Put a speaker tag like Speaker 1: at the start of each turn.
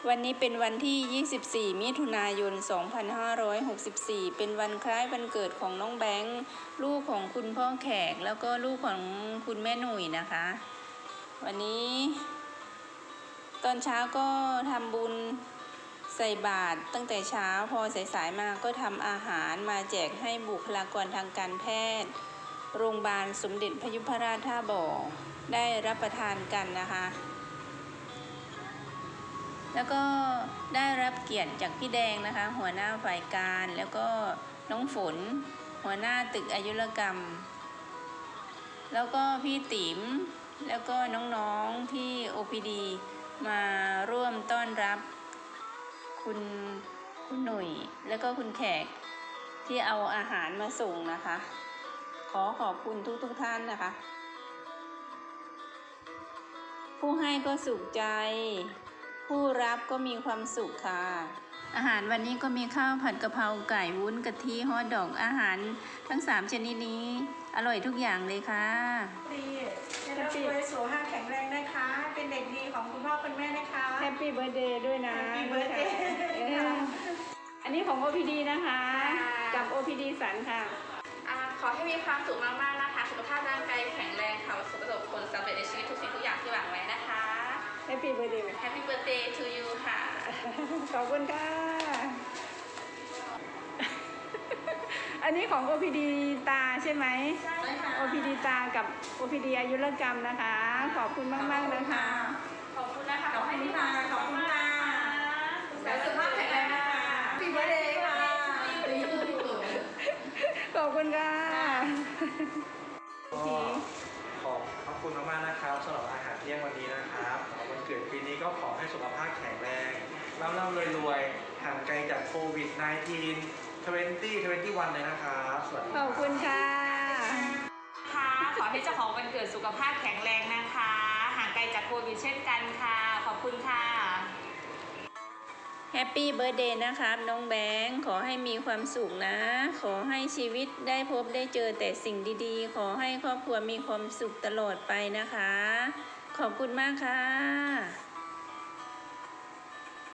Speaker 1: วันนี้เป็นวันที่ 24 มิถุนายน 2564 เป็นวันคล้ายวันเกิดของน้องแบงค์ลูกของคุณพ่อแขกแล้วก็ลูกของคุณแม่หนุ่ยนะคะ วันนี้ตอนเช้าก็ทำบุญใส่บาตรตั้งแต่เช้าพอสายๆมาก็ทำอาหารมาแจกให้บุคลากรทางการแพทย์โรงพยาบาลสมเด็จพยุพราชท่าบ่อได้รับประทานกันนะคะแล้วก็ได้รับเกียรติจากพี่แดงนะคะหัวหน้าฝ่ายการแล้วก็น้องฝนหัวหน้าตึกอายุรกรรมแล้วก็พี่ติ๋มแล้วก็น้องๆที่ OPD มาร่วมต้อนรับคุณหนุ่ยแล้วก็คุณแขกที่เอาอาหารมาส่งนะคะขอบคุณทุกท่านนะคะผู้ให้ก็สุขใจผู้รับก็มีความสุขค่ะอาหารวันนี้ก็มีข้าวผัดกะเพราไก่วุ้นกะทิฮอทดอกอาหารทั้ง3ชนิดนี้อร่อยทุกอย่างเลยค่ะ
Speaker 2: ดีได้รับรวยสุขภาพแข็งแรงนะคะเป็นเด็กดีของคุณพ่อคุณแม่นะคะ
Speaker 1: แฮปปี้เบิร์ธเดย์ด้วยนะ
Speaker 2: แฮปปี้เบิร์ธเดย์
Speaker 1: อันนี้ของ OPD นะคะกับ OPD สันค่ะ
Speaker 3: ขอให้มีความสุขมากๆนะคะสุขภาพร่างกายแข็งแรงค่ะประสบผลสำเร็จในชีวิตทุกสิ่งทุกอย่างที่หวังไว้นะคะ
Speaker 1: แฮปปี้เบิร์ธเดย์
Speaker 3: แฮปปี้เบิร์ธเดย์ to you ค่ะ
Speaker 1: ขอบคุณค่ะอันนี้ของ OPD ตาใช่ไหม
Speaker 3: ใช่ค่ะ
Speaker 1: OPD ตากับ OPD อายุรกรรมนะคะขอบคุณมากๆนะคะ
Speaker 3: ขอบคุณนะคะ
Speaker 2: ขอบคุณค่ะขอบคุณค่ะสุขภาพแข็งแรงนะคะแฮปปี้เบิร์ธเดย์ค่ะ
Speaker 1: ขอบคุณค่ะ
Speaker 4: ขอบคุณมากๆนะครับสำหรับอาหารเที่ยงวันนี้นะครับวันเกิดปีนี้ก็ขอให้สุขภาพแข็งแรงร่ำรวยห่างไกลจากโควิด -19 2021 เลยนะครับสวัสดี
Speaker 1: ขอบคุณค่ะ
Speaker 3: ขอให้เจ้าของวันเกิดสุขภาพแข็งแรงนะคะห่างไกลจากโควิดเช่นกันค่ะขอบคุณค่ะ
Speaker 1: แฮปปี้เบิร์ธเดย์นะครับน้องแบงค์ขอให้มีความสุขนะขอให้ชีวิตได้พบได้เจอแต่สิ่งดีๆขอให้ครอบครัวมีความสุขตลอดไปนะคะขอบคุณมากค่ะ